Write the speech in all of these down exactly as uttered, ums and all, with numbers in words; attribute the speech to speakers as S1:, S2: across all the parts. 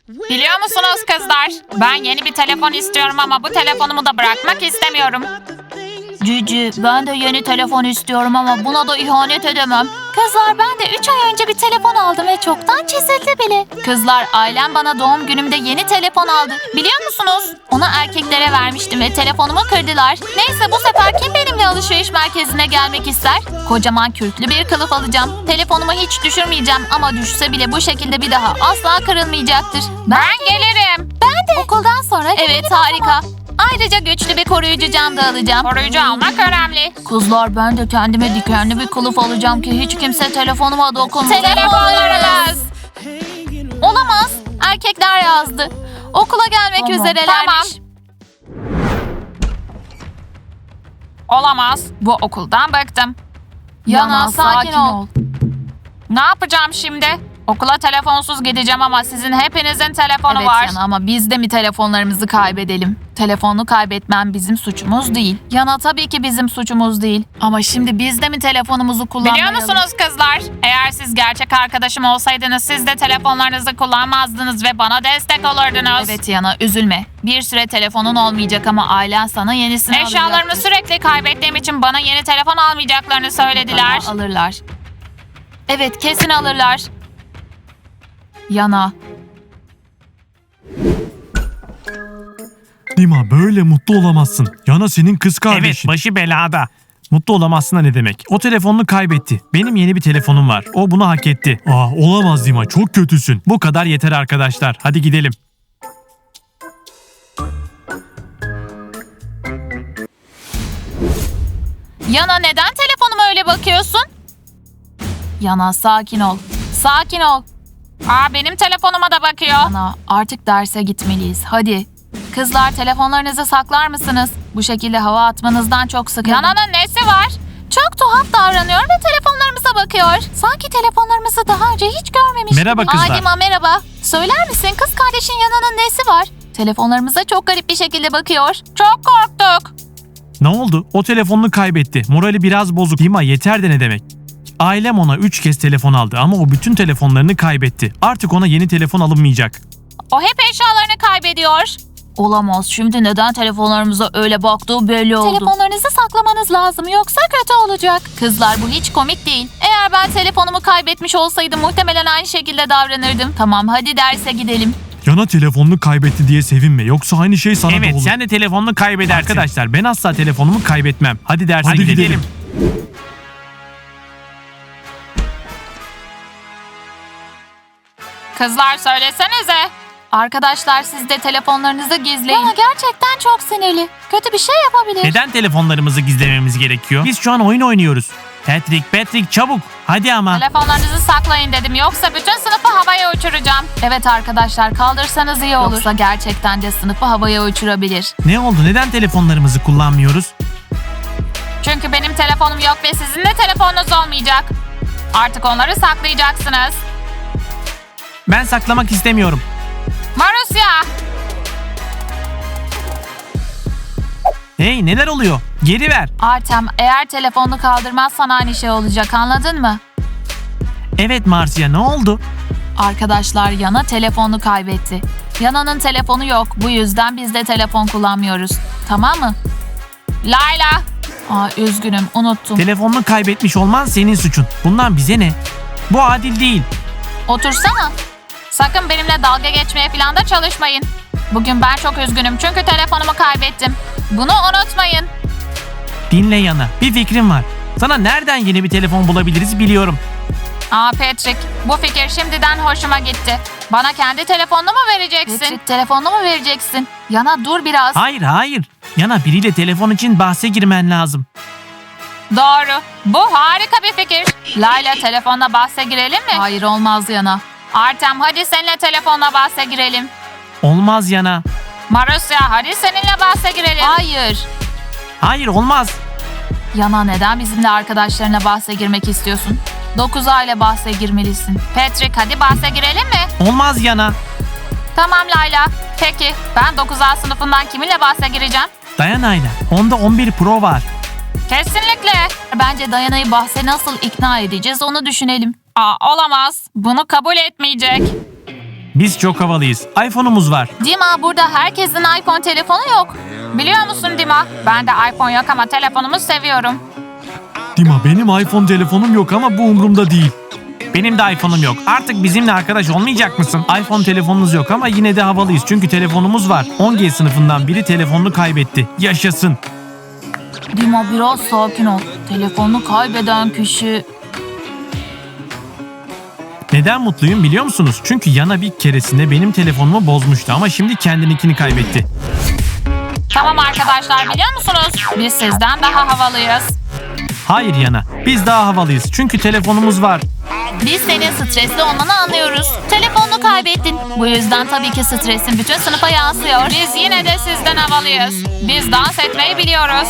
S1: Biliyor musunuz kızlar? Ben yeni bir telefon istiyorum ama bu telefonumu da bırakmak istemiyorum. Cici, ben de yeni telefon istiyorum ama buna da ihanet edemem. Kızlar, ben de üç ay önce bir telefon aldım ve çoktan çizildi bile. Kızlar, ailem bana doğum günümde yeni telefon aldı. Biliyor musunuz? Onu erkeklere vermiştim ve telefonumu kırdılar. Neyse, bu sefer kim benimle alışveriş merkezine gelmek ister? Kocaman kürklü bir kılıf alacağım. Telefonumu hiç düşürmeyeceğim ama düşse bile bu şekilde bir daha asla kırılmayacaktır. Ben, ben gelirim. Ben de. Okuldan sonra evet, harika. Ayrıca güçlü bir koruyucu cam da alacağım. Koruyucu almak önemli. Kızlar, ben de kendime dikenli bir kılıf alacağım ki hiç kimse telefonuma dokunmasın. Telefonlarınız. Olamaz. Erkekler yazdı. Okula gelmek tamam, üzerelermiş. Tamam. Olamaz. Bu okuldan bıktım. Yana, Yana sakin, sakin ol. ol. Ne yapacağım şimdi? Okula telefonsuz gideceğim ama sizin hepinizin telefonu
S2: evet,
S1: var.
S2: Evet Yana, ama biz de mi telefonlarımızı kaybedelim? Telefonu kaybetmem bizim suçumuz değil. Yana, tabii ki bizim suçumuz değil. Ama şimdi biz de mi telefonumuzu kullanmayalım?
S1: Biliyor musunuz kızlar? Eğer siz gerçek arkadaşım olsaydınız siz de telefonlarınızı kullanmazdınız ve bana destek olurdunuz.
S2: Evet Yana, üzülme. Bir süre telefonun olmayacak ama ailen sana yenisini alacaktır.
S1: Eşyalarımı sürekli kaybettiğim için bana yeni telefon almayacaklarını söylediler.
S2: Bana alırlar. Evet, kesin alırlar. Yana.
S3: Dima, böyle mutlu olamazsın. Yana senin kız kardeşin.
S4: Evet, başı belada. Mutlu olamazsın da ne demek? O telefonunu kaybetti. Benim yeni bir telefonum var. O bunu hak etti.
S3: Aa, olamaz Dima, çok kötüsün.
S4: Bu kadar yeter arkadaşlar. Hadi gidelim.
S2: Yana, neden telefonuma öyle bakıyorsun? Yana, sakin ol. Sakin ol.
S1: Aa, benim telefonuma da bakıyor.
S2: Yana, artık derse gitmeliyiz. Hadi. Kızlar, telefonlarınızı saklar mısınız? Bu şekilde hava atmanızdan çok sıkıldım.
S1: Yana'nın nesi var?
S2: Çok tuhaf davranıyor ve telefonlarımıza bakıyor. Sanki telefonlarımızı daha önce hiç görmemiş.
S4: Merhaba kızlar.
S2: Adima, merhaba. Söyler misin, kız kardeşin Yana'nın nesi var? Telefonlarımıza çok garip bir şekilde bakıyor.
S1: Çok korktuk.
S4: Ne oldu? O telefonunu kaybetti. Morali biraz bozuk. Dima, yeter de ne demek? Ailem ona üç kez telefon aldı ama o bütün telefonlarını kaybetti. Artık ona yeni telefon alınmayacak.
S1: O hep eşyalarını kaybediyor.
S2: Olamaz. Şimdi neden telefonlarımıza öyle baktığı belli oldu. Telefonlarınızı saklamanız lazım, yoksa kötü olacak. Kızlar, bu hiç komik değil. Eğer ben telefonumu kaybetmiş olsaydım muhtemelen aynı şekilde davranırdım. Tamam, hadi derse gidelim.
S3: Yana telefonunu kaybetti diye sevinme. Yoksa aynı şey sana da
S4: Evet,
S3: olur.
S4: sen de telefonunu kaybedersin. Arkadaşlar, ben asla telefonumu kaybetmem. Hadi derse
S3: Hadi
S4: gidelim.
S3: gidelim.
S1: Kızlar, söylesenize.
S2: Arkadaşlar, siz de telefonlarınızı gizleyin. Yana gerçekten çok sinirli. Kötü bir şey yapabilir.
S4: Neden telefonlarımızı gizlememiz gerekiyor? Biz şu an oyun oynuyoruz. Patrick, Patrick çabuk. Hadi ama.
S1: Telefonlarınızı saklayın dedim. Yoksa bütün sınıfı havaya uçuracağım.
S2: Evet arkadaşlar, kaldırsanız iyi olur. Yoksa gerçekten de sınıfı havaya uçurabilir.
S4: Ne oldu? Neden telefonlarımızı kullanmıyoruz?
S1: Çünkü benim telefonum yok ve sizin de telefonunuz olmayacak. Artık onları saklayacaksınız.
S4: Ben saklamak istemiyorum.
S1: Marusya!
S4: Hey, neler oluyor? Geri ver.
S2: Artem, eğer telefonunu kaldırmazsan aynı şey olacak, anladın mı?
S4: Evet Marcia, ne oldu?
S2: Arkadaşlar, Yana telefonunu kaybetti. Yana'nın telefonu yok, bu yüzden biz de telefon kullanmıyoruz. Tamam mı?
S1: Layla!
S2: Aa, üzgünüm, unuttum.
S4: Telefonunu kaybetmiş olman senin suçun. Bundan bize ne? Bu adil değil.
S2: Otursana.
S1: Sakın benimle dalga geçmeye falan da çalışmayın. Bugün ben çok üzgünüm çünkü telefonumu kaybettim. Bunu unutmayın.
S4: Dinle Yana, bir fikrim var. Sana nereden yeni bir telefon bulabiliriz biliyorum.
S1: Aa Patrick, bu fikir şimdiden hoşuma gitti. Bana kendi telefonunu mu vereceksin?
S2: Patrick, telefonunu mu vereceksin? Yana, dur biraz.
S4: Hayır, hayır. Yana, biriyle telefon için bahse girmen lazım.
S1: Doğru. Bu harika bir fikir. Layla, telefonla bahse girelim mi?
S2: Hayır, olmaz Yana.
S1: Artem, hadi seninle telefonla bahse girelim.
S4: Olmaz Yana.
S1: Marusya, hadi seninle bahse girelim.
S2: Hayır.
S4: Hayır, olmaz.
S2: Yana, neden bizimle arkadaşlarına bahse girmek istiyorsun? dokuz A ile bahse girmelisin.
S1: Patrick, hadi bahse girelim mi?
S4: Olmaz Yana.
S1: Tamam Layla. Peki, ben dokuz A sınıfından kiminle bahse gireceğim?
S4: Dayanayla. Onda on bir Pro var.
S1: Kesinlikle.
S2: Bence Dayana'yı bahse nasıl ikna edeceğiz onu düşünelim.
S1: Aa, olamaz. Bunu kabul etmeyecek.
S4: Biz çok havalıyız. iPhone'umuz var.
S2: Dima, burada herkesin iPhone telefonu yok.
S1: Biliyor musun Dima? Ben de iPhone yok ama telefonumu seviyorum.
S3: Dima benim iPhone telefonum yok ama bu umurumda değil.
S4: Benim de iPhone'um yok. Artık bizimle arkadaş olmayacak mısın? iPhone telefonunuz yok ama yine de havalıyız. Çünkü telefonumuz var. on G sınıfından biri telefonunu kaybetti. Yaşasın.
S2: Dima, biraz sakin ol. Telefonunu kaybeden kişi...
S4: Neden mutluyum biliyor musunuz? Çünkü Yana bir keresinde benim telefonumu bozmuştu ama şimdi kendininkini kaybetti.
S1: Tamam arkadaşlar, biliyor musunuz? Biz sizden daha havalıyız.
S4: Hayır Yana, biz daha havalıyız. Çünkü telefonumuz var.
S2: Biz senin stresli olmanı anlıyoruz. Telefonunu kaybettin. Bu yüzden tabii ki stresin bütün sınıfa yansıyor.
S1: Biz yine de sizden havalıyız. Biz dans etmeyi biliyoruz.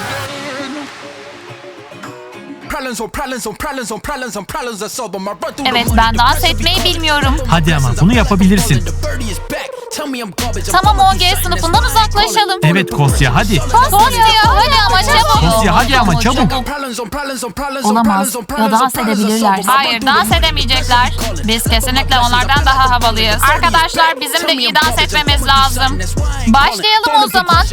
S2: Evet, ben dans etmeyi bilmiyorum.
S4: Hadi ama bunu yapabilirsin.
S2: Tamam, on G sınıfından uzaklaşalım.
S4: Evet Kosya hadi.
S2: Kostya, hadi ama çabuk.
S4: Kosya hadi ama çabuk.
S2: Olamaz. Ya dans edebilirler.
S1: Hayır, dans edemeyecekler. Biz kesinlikle onlardan daha havalıyız. Arkadaşlar, bizim de iyi dans etmemiz lazım.
S2: Başlayalım o zaman.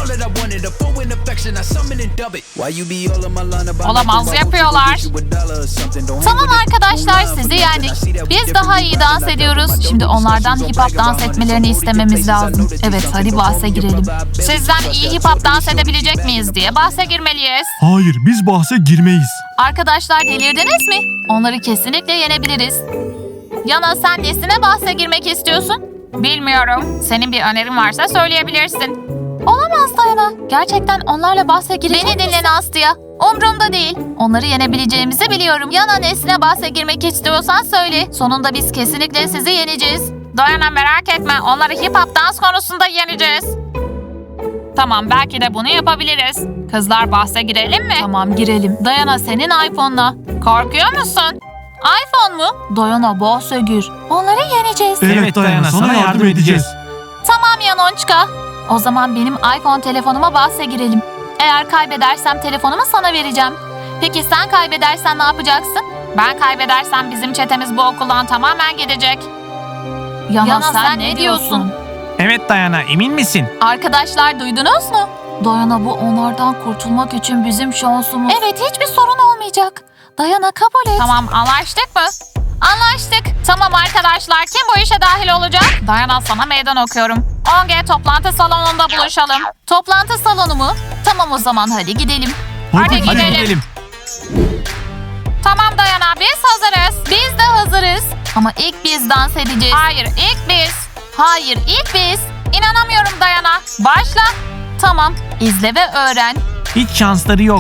S1: Olamaz, yapıyorlar.
S2: Tamam arkadaşlar, sizi yendik. Biz daha iyi dans ediyoruz. Şimdi onlardan hip hop dans etmelerini istememiz lazım. Evet, hadi bahse girelim.
S1: Sizden iyi hip hop dans edebilecek miyiz diye bahse girmeliyiz.
S3: Hayır biz bahse girmeyiz.
S2: Arkadaşlar, delirdiniz mi? Onları kesinlikle yenebiliriz. Yana, sen nesine bahse girmek istiyorsun?
S1: Bilmiyorum. Senin bir önerin varsa söyleyebilirsin.
S2: Olamaz Dayana. Gerçekten onlarla bahse girecek Beni dinle Nastya. Umrumda değil. Onları yenebileceğimizi biliyorum. Yana, nesine bahse girmek istiyorsan söyle. Sonunda biz kesinlikle sizi yeneceğiz.
S1: Dayana, merak etme. Onları hip hop dans konusunda yeneceğiz. Tamam, belki de bunu yapabiliriz. Kızlar, bahse girelim mi?
S2: Tamam, girelim. Dayana, senin iPhone'la.
S1: Korkuyor musun?
S2: iPhone mu? Dayana, bahse gir. Onları yeneceğiz.
S3: Evet, Dayana, sana yardım edeceğiz.
S2: Tamam Yanonçka. O zaman benim iPhone telefonuma bahse girelim. Eğer kaybedersem telefonumu sana vereceğim. Peki sen kaybedersen ne yapacaksın?
S1: Ben kaybedersem bizim çetemiz bu okuldan tamamen gidecek.
S2: Yana, Yana, sen, ne diyorsun?
S4: Evet Dayana, emin misin?
S2: Arkadaşlar, duydunuz mu? Dayana, bu onlardan kurtulmak için bizim şansımız. Evet, hiçbir sorun olmayacak. Dayana, kabul et.
S1: Tamam, anlaştık mı?
S2: Anlaştık.
S1: Tamam arkadaşlar, kim bu işe dahil olacak? Dayana, sana meydan okuyorum. on G toplantı salonunda buluşalım.
S2: Toplantı salonu mu? Tamam o zaman, hadi gidelim.
S1: Hadi,
S4: Hadi
S1: gidelim.
S4: gidelim.
S1: Tamam Dayana, biz hazırız.
S2: Biz de hazırız. Ama ilk biz dans edeceğiz.
S1: Hayır, ilk biz.
S2: Hayır, ilk biz.
S1: İnanamıyorum Dayana. Başla.
S2: Tamam, izle ve öğren.
S4: Hiç şansları yok.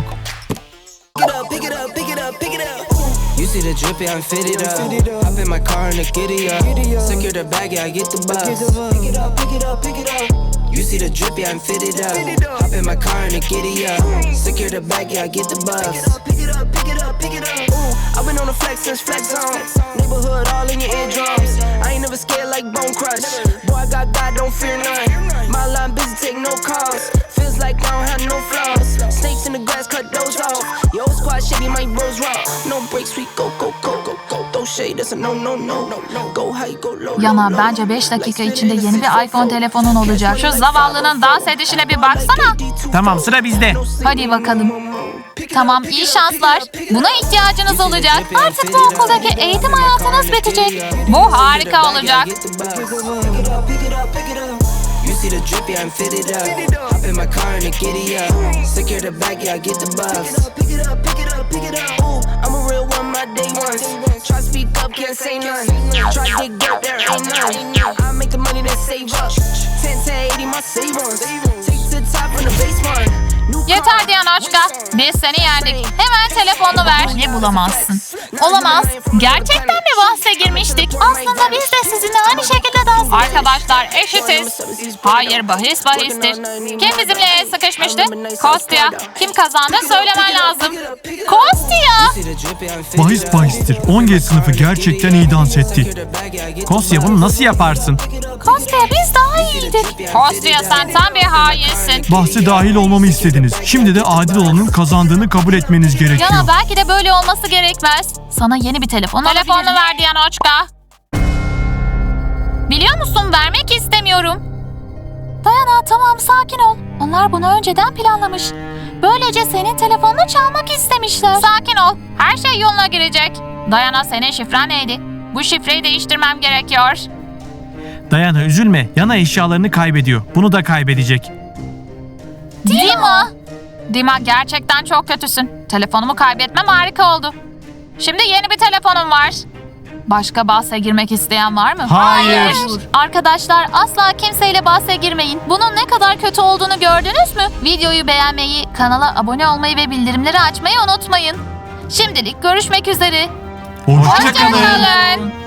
S5: You see the drip, yeah, I'm fitted up. Hop in my car and I get it up. Secure the bag, yeah, I get the bus. Pick it up, pick it up, pick it up. You see the drip, yeah, I'm fitted up. Hop in my car and I get it up. Secure the bag, yeah, I get the bus. Pick it up, pick it up, pick it up. Ooh, I've been on the flex since flex zone. Neighborhood all in your eardrums. I ain't never scared like Bone Crush. Boy, I got God, don't fear none. My line busy, take no calls. Feels like I don't have no flaws. Snakes in the grass, cut those off. Yo, squad shady, my bros raw. No breaks, we go, go, go, go, go. Throw shade, that's a no, no, no, no. Go high, go low,
S2: Yana,
S5: low,
S2: bence beş dakika içinde yeni bir iPhone telefonun olacak.
S1: Şu zavallının dans edişine bir baksana.
S4: Tamam, sıra bizde.
S2: Hadi bakalım. Tamam, iyi şanslar. Buna ihtiyacınız olacak. Artık bu okuldaki eğitim hayatınız bitecek.
S1: Bu harika olacak.
S5: You see the drip, yeah, I'm fitted up. Hop in my car and I get it up. Secure the bag, yeah, I get the bus. Pick it up, pick it up, pick it up. Ooh, I'm a real one, my day ones. Try to speak up, can't say none. Try to get dirt, there ain't none. I make the money that save up. ten to eighty, my savings. Take to the top from the baseline.
S1: Yeter Dianoşka. Biz seni yendik. Hemen telefonunu ver.
S2: Ne bulamazsın? Olamaz. Gerçekten mi bahse girmiştik? Aslında biz de sizinle aynı şekilde dans ediyoruz.
S1: Arkadaşlar, eşitiz. Hayır, bahis bahistir. Kim bizimle el sıkışmıştı? Kostya. Kim kazandı söylemen lazım.
S2: Kostya!
S3: Bahis bahistir. on G sınıfı gerçekten iyi dans etti.
S4: Kosya, bunu nasıl yaparsın?
S2: Kostya, biz daha iyiydik.
S1: Kostya, sen tam bir hainsin.
S3: Bahse dahil olmamı istediniz. Şimdi de adil olanın kazandığını kabul etmeniz gerekiyor.
S2: Yana, belki de böyle olması gerekmez. Sana yeni bir telefon
S1: Telefonunu
S2: alabilirim.
S1: ver Dianoşka. Biliyor musun, vermek istemiyorum.
S2: Dayana tamam sakin ol. Onlar bunu önceden planlamış. Böylece senin telefonunu çalmak istemişler.
S1: Sakin ol. Her şey yoluna girecek. Dayana, senin şifren neydi? Bu şifreyi değiştirmem gerekiyor.
S4: Dayana üzülme. Yana eşyalarını kaybediyor. Bunu da kaybedecek.
S1: Dima. Dima, gerçekten çok kötüsün. Telefonumu kaybetmem harika oldu. Şimdi yeni bir telefonum var. Başka bahse girmek isteyen var mı?
S4: Hayır.
S2: Arkadaşlar asla kimseyle bahse girmeyin. Bunun ne kadar kötü olduğunu gördünüz mü? Videoyu beğenmeyi, kanala abone olmayı ve bildirimleri açmayı unutmayın. Şimdilik görüşmek üzere.
S4: Hoşçakalın.
S1: Hoşçakalın.